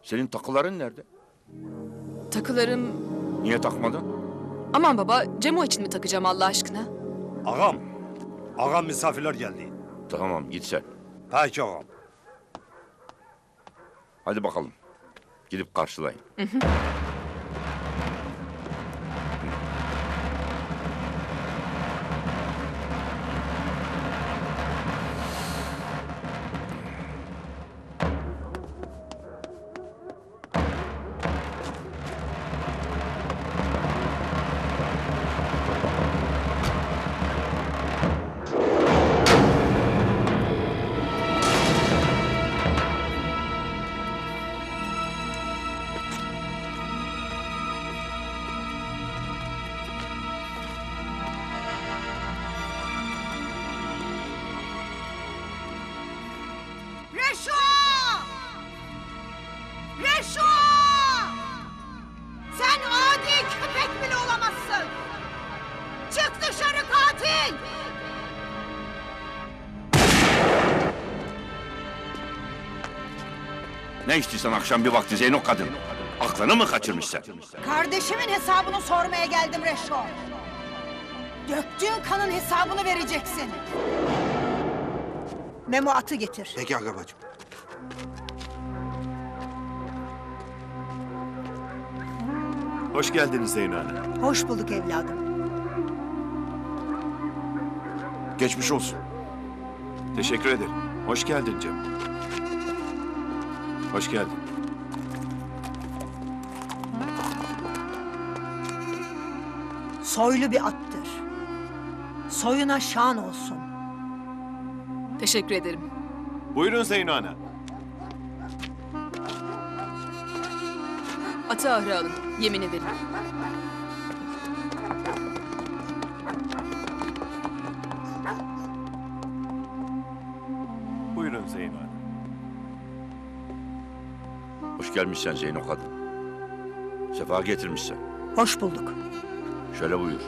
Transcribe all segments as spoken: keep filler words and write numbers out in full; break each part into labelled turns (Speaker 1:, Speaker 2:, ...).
Speaker 1: Senin takıların nerede?
Speaker 2: Takılarım...
Speaker 1: Niye takmadın?
Speaker 2: Aman baba, Cemo için mi takacağım Allah aşkına?
Speaker 3: Ağam, ağam misafirler geldi.
Speaker 1: Tamam git sen.
Speaker 3: Peki ağam.
Speaker 1: Hadi bakalım. Gidip karşılayın.
Speaker 4: Reşo! Reşo! Sen adi köpek bile olamazsın! Çık dışarı katil!
Speaker 1: Ne içtiysen akşam bir vakti Zeyno kadın? Aklını mı kaçırmışsın?
Speaker 4: Kardeşimin hesabını sormaya geldim Reşo. Döktüğün kanın hesabını vereceksin. Memo atı getir.
Speaker 3: Peki aga bacım.
Speaker 5: Hoş geldiniz Zeyno Hanım.
Speaker 4: Hoş bulduk evladım.
Speaker 5: Geçmiş olsun. Teşekkür ederim. Hoş geldin Cem. Hoş geldin.
Speaker 4: Soylu bir attır. Soyuna şan olsun.
Speaker 2: Teşekkür ederim.
Speaker 5: Buyurun Zeyno Hanım.
Speaker 2: Atı ahıra alın, yemini verin.
Speaker 5: Buyurun Zeyno Hanım.
Speaker 1: Hoş gelmişsen Zeyno kadın. Sefa getirmişsen.
Speaker 4: Hoş bulduk.
Speaker 1: Şöyle buyur.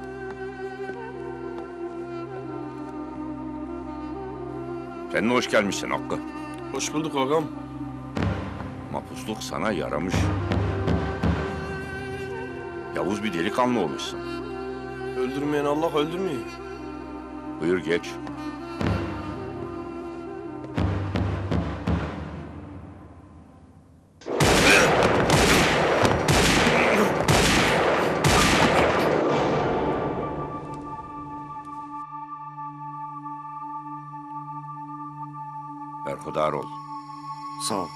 Speaker 1: Sen de hoş gelmişsin Hakkı.
Speaker 6: Hoş bulduk ağam.
Speaker 1: Mapusluk sana yaramış. Yavuz bir delikanlı olmuşsun.
Speaker 6: Öldürmeyen Allah öldürmüyor.
Speaker 1: Buyur geç. Berhudar ol.
Speaker 5: Sağ ol.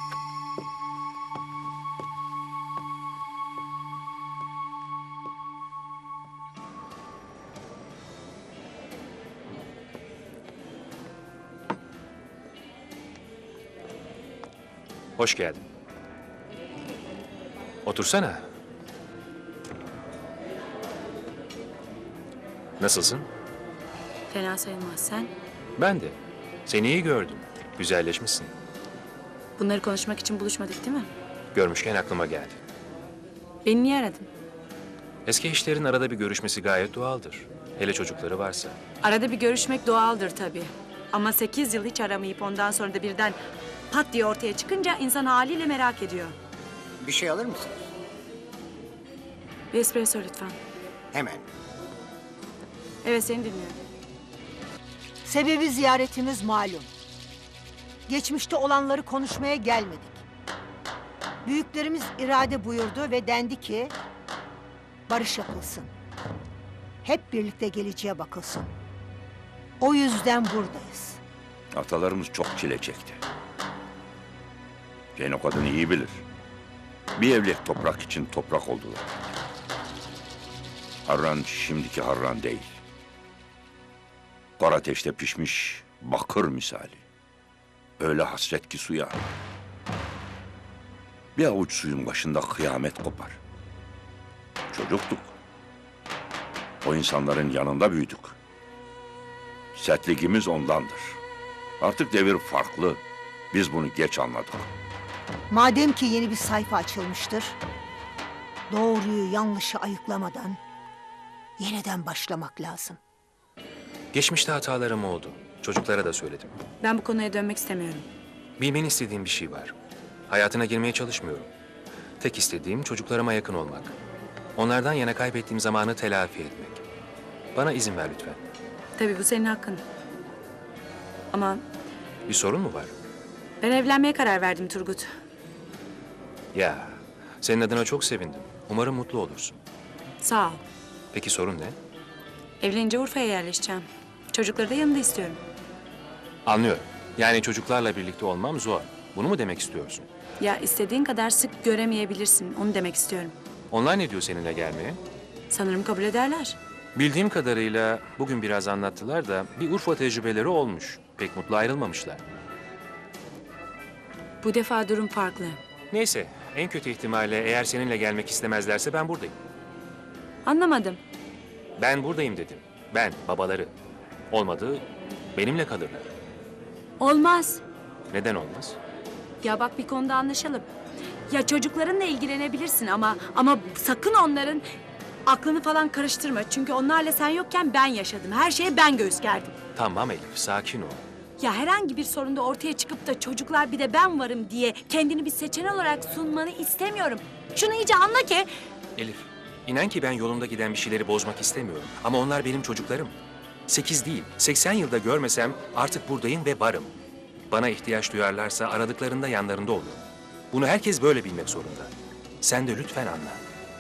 Speaker 7: Hoş geldin. Otursana. Nasılsın?
Speaker 8: Fena sayılmaz sen.
Speaker 7: Ben de. Seni iyi gördüm. Güzelleşmişsin.
Speaker 8: Bunları konuşmak için buluşmadık değil mi?
Speaker 7: Görmüşken aklıma geldi.
Speaker 8: Beni niye aradın?
Speaker 7: Eski eşlerin arada bir görüşmesi gayet doğaldır. Hele çocukları varsa.
Speaker 8: Arada bir görüşmek doğaldır tabii. Ama sekiz yıl hiç aramayıp ondan sonra da birden pat diye ortaya çıkınca insan haliyle merak ediyor.
Speaker 9: Bir şey alır mısın?
Speaker 8: Bir espresso lütfen.
Speaker 9: Hemen.
Speaker 8: Evet, seni dinliyorum.
Speaker 4: Sebebi ziyaretimiz malum. Geçmişte olanları konuşmaya gelmedik. Büyüklerimiz irade buyurdu ve dendi ki barış yapılsın. Hep birlikte geleceğe bakılsın. O yüzden buradayız.
Speaker 1: Atalarımız çok çile çekti. Zeyno kadını iyi bilir. Bir evlek toprak için toprak oldular. Harran şimdiki Harran değil. Kor ateşte pişmiş bakır misali. Öyle hasret ki suya. Bir avuç suyun başında kıyamet kopar. Çocuktuk. O insanların yanında büyüdük. Sertliğimiz ondandır. Artık devir farklı. Biz bunu geç anladık.
Speaker 4: Madem ki yeni bir sayfa açılmıştır, doğruyu yanlışı ayıklamadan yeniden başlamak lazım.
Speaker 7: Geçmişte hatalarım oldu. Çocuklara da söyledim.
Speaker 8: Ben bu konuya dönmek istemiyorum.
Speaker 7: Bilmeni istediğim bir şey var. Hayatına girmeye çalışmıyorum. Tek istediğim çocuklarıma yakın olmak. Onlardan yana kaybettiğim zamanı telafi etmek. Bana izin ver lütfen.
Speaker 8: Tabii bu senin hakkın. Ama
Speaker 7: Bir sorun mu var?
Speaker 8: ben evlenmeye karar verdim Turgut.
Speaker 7: Ya, senin adına çok sevindim. Umarım mutlu olursun.
Speaker 8: Sağ ol.
Speaker 7: Peki sorun ne?
Speaker 8: Evlenince Urfa'ya yerleşeceğim. Çocukları da yanında istiyorum.
Speaker 7: Anlıyorum. Yani çocuklarla birlikte olmam zor. Bunu mu demek istiyorsun?
Speaker 8: Ya istediğin kadar sık göremeyebilirsin. Onu demek istiyorum.
Speaker 7: Onlar ne diyor seninle gelmeye?
Speaker 8: Sanırım kabul ederler.
Speaker 7: Bildiğim kadarıyla bugün biraz anlattılar da bir Urfa tecrübeleri olmuş. Pek mutlu ayrılmamışlar.
Speaker 8: Bu defa durum farklı.
Speaker 7: Neyse, en kötü ihtimalle eğer seninle gelmek istemezlerse ben buradayım.
Speaker 8: Anlamadım.
Speaker 7: Ben buradayım dedim. Ben, babaları. Olmadı, benimle kalırlar.
Speaker 8: Olmaz.
Speaker 7: Neden olmaz?
Speaker 8: Ya bak bir konuda anlaşalım. Ya çocuklarınla ilgilenebilirsin ama ama sakın onların aklını falan karıştırma. Çünkü onlarla sen yokken ben yaşadım. Her şeye ben göğüs gerdim.
Speaker 7: Tamam Elif, sakin ol.
Speaker 8: Ya herhangi bir sorunda ortaya çıkıp da çocuklar bir de ben varım diye kendini bir seçenek olarak sunmanı istemiyorum. Şunu iyice anla ki
Speaker 7: Elif, inan ki ben yolumda giden bir şeyleri bozmak istemiyorum. Ama onlar benim çocuklarım. Sekiz değil, seksen yılda görmesem artık buradayım ve varım. Bana ihtiyaç duyarlarsa aradıklarında yanlarında olurum. Bunu herkes böyle bilmek zorunda. Sen de lütfen anla.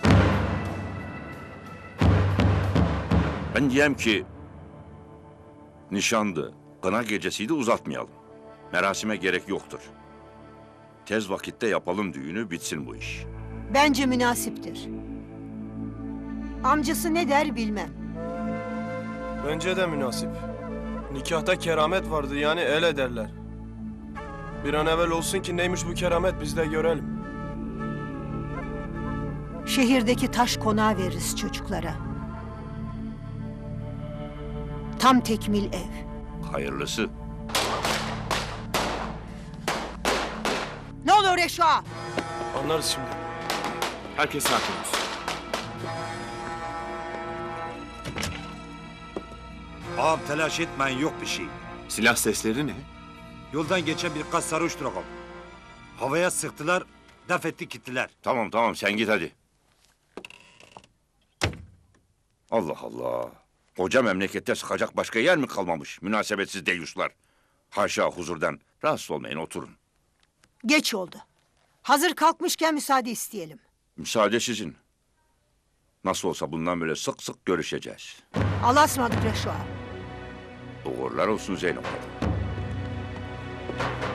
Speaker 1: Ben diyem ki nişandı, kına gecesiydi uzatmayalım. Merasime gerek yoktur. Tez vakitte yapalım düğünü, bitsin bu iş.
Speaker 4: Bence münasiptir. Amcası ne der bilmem.
Speaker 6: Bence de münasip. Nikahta keramet vardı yani el ederler. Bir an evvel olsun ki neymiş bu keramet biz de görelim.
Speaker 4: Şehirdeki taş konağı veririz çocuklara. Tam tekmil ev.
Speaker 1: Hayırlısı.
Speaker 4: Ne oluyor Reşo?
Speaker 6: Anlarız şimdi.
Speaker 5: Herkes sakin olsun.
Speaker 3: Ağam telaş etmeyin, yok bir şey.
Speaker 5: Silah sesleri ne?
Speaker 3: Yoldan geçen birkaç sarhoştur ağam. Havaya sıktılar, def etti gittiler.
Speaker 1: Tamam tamam sen git hadi. Allah Allah. Koca memlekette sıkacak başka yer mi kalmamış? Münasebetsiz deyuşlar. Haşa huzurdan. Rahatsız olmayın, oturun.
Speaker 4: Geç oldu. Hazır kalkmışken müsaade isteyelim.
Speaker 1: Müsaade sizin. Nasıl olsa bundan böyle sık sık görüşeceğiz.
Speaker 4: Allah'a ısmarladık Reşo.
Speaker 1: Uğurlar olsun Zeynep Hanım.